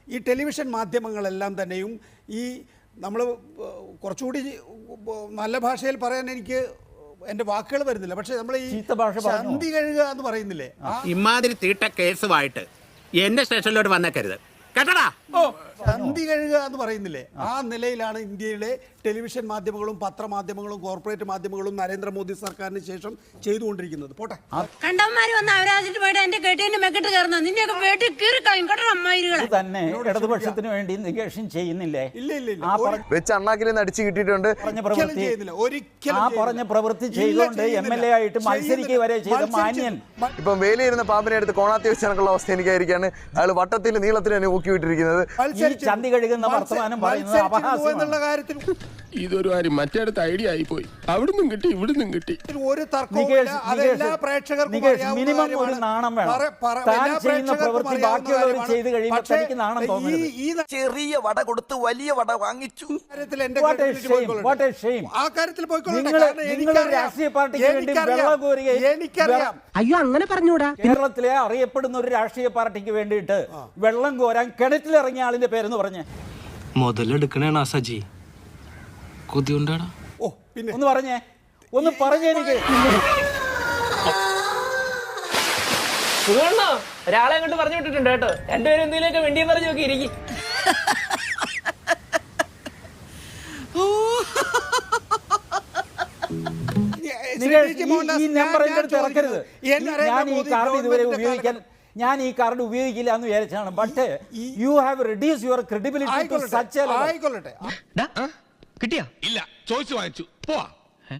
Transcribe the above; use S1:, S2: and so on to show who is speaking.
S1: ഈ ടെലിവിഷൻ മാധ്യമങ്ങളെല്ലാം തന്നെയും ഈ നമ്മൾ കുറച്ചുകൂടി നല്ല ഭാഷയിൽ പറയാൻ എനിക്ക് എൻ്റെ വാക്കുകൾ വരുന്നില്ല, പക്ഷേ നമ്മൾ ഈ ചന്തി കഴുകുക എന്ന് പറയുന്നില്ലേ,
S2: ഇമാതിരി തീട്ട കേസുമായിട്ട് എന്റെ സ്റ്റേഷനിലോട്ട് വന്നേക്കരുത് കേട്ടടാ.
S1: ചന്തി കഴുകുക എന്ന് പറയുന്നില്ലേ, ആ നിലയിലാണ് ഇന്ത്യയിലെ ടെലിവിഷൻ മാധ്യമങ്ങളും പത്രമാധ്യമങ്ങളും കോർപ്പറേറ്റ് മാധ്യമങ്ങളും നരേന്ദ്രമോദി സർക്കാരിന് ശേഷം ചെയ്തുകൊണ്ടിരിക്കുന്നത്. പോട്ടെ,
S3: കണ്ടവന്മാര് വന്ന് അവരാജിട്ട് പോയിട്ട് എന്റെ കേട്ടേന്റെ മെക്കെട്ട് കയറുന്ന നിന്നെയൊക്കെ വീട്ടിൽ കീറി കളയും കേട്ടോ അമ്മായികളെ.
S4: തന്നെ ഇടതുപക്ഷത്തിന് വേണ്ടി നിഗേഷൻ ചെയ്യുന്നില്ലേ?
S1: ഇല്ല ഇല്ല ഇല്ല,
S5: വെച്ച് അണ്ണാക്കിൽ നിന്ന് അടിച്ചു കിട്ടിയിട്ടുണ്ട്.
S4: പറഞ്ഞ പ്രവൃത്തി ചെയ്തുകൊണ്ട് MLA ആയിട്ട് മത്സരിക്കുക വരെ ചെയ്ത മാന്യൻ
S5: ഇപ്പം വേലിയിരുന്ന പാമ്പിനെ എടുത്ത് കോണാത്തി വെച്ചതിനുള്ള അവസ്ഥ എനിക്കായിരിക്കാണ്. അയാൾ വട്ടത്തിൽ നീളത്തിൽ തന്നെ ഊക്കി വിട്ടിരിക്കുന്നത്.
S4: ചന്തി കഴുകുന്ന വർത്തമാനം പറയുന്നത് അപഹാസ്യമാണ്.
S1: കാര്യത്തിൽ
S6: ഇതൊരു കാര്യം മറ്റേടത്ത് ഐഡിയ ആയിപ്പോയി. അവിടുന്നും കിട്ടി ഇവിടുന്നും കിട്ടി.
S1: ഒരു തർക്കവുമില്ല. അതെല്ലാ പ്രേക്ഷകർക്കും
S4: മിനിമം ഒരു നാണം വേണം. താൻ ചെയ്യുന്ന പ്രവൃത്തി ബാക്കിയുള്ളവർ ചെയ്ത് കഴിയുമ്പോൾ തനിക്ക് നാണം തോന്നരുത്.
S7: ചെറിയ വട കൊടുത്ത് വലിയ വട വാങ്ങിച്ചു.
S4: നിങ്ങൾ രാഷ്ട്രീയ പാർട്ടിക്ക് വേണ്ടി വെള്ളം കോരുകയും,
S3: അയ്യോ അങ്ങനെ പറഞ്ഞൂടാ.
S4: കേരളത്തിലെ അറിയപ്പെടുന്ന ഒരു രാഷ്ട്രീയ പാർട്ടിക്ക് വേണ്ടിയിട്ട് വെള്ളം കോരാൻ കിണറ്റിലിറങ്ങിയ ആളിന്റെ പേരെന്ന് പറഞ്ഞ്
S8: മുതലെടുക്കണേണ സജി കൊതിയുണ്ടാടാ.
S4: ഒന്ന് പറഞ്ഞേ എനിക്ക്.
S8: ഒരാളെ അങ്ങോട്ട് പറഞ്ഞു വിട്ടിട്ടുണ്ട് കേട്ടോ. രണ്ടുപേരും എന്തെങ്കിലുമൊക്കെ വേണ്ടിയെന്ന് പറഞ്ഞു നോക്കി ഇരിക്കും.
S4: ഈ നമ്പർ എന്റെ അടുത്ത് ഇറക്കരുത്. ഞാൻ ഈ കാർഡ് ഉപയോഗിക്കില്ല എന്ന് വിചാരിച്ചാണ്. But you have reduce your credibility to such a level.
S1: ആയിക്കൊള്ളട്ടെ.
S6: കിട്ടിയാ? ഇല്ല, ചോദിച്ചു വാങ്ങിച്ചു. പോവാ.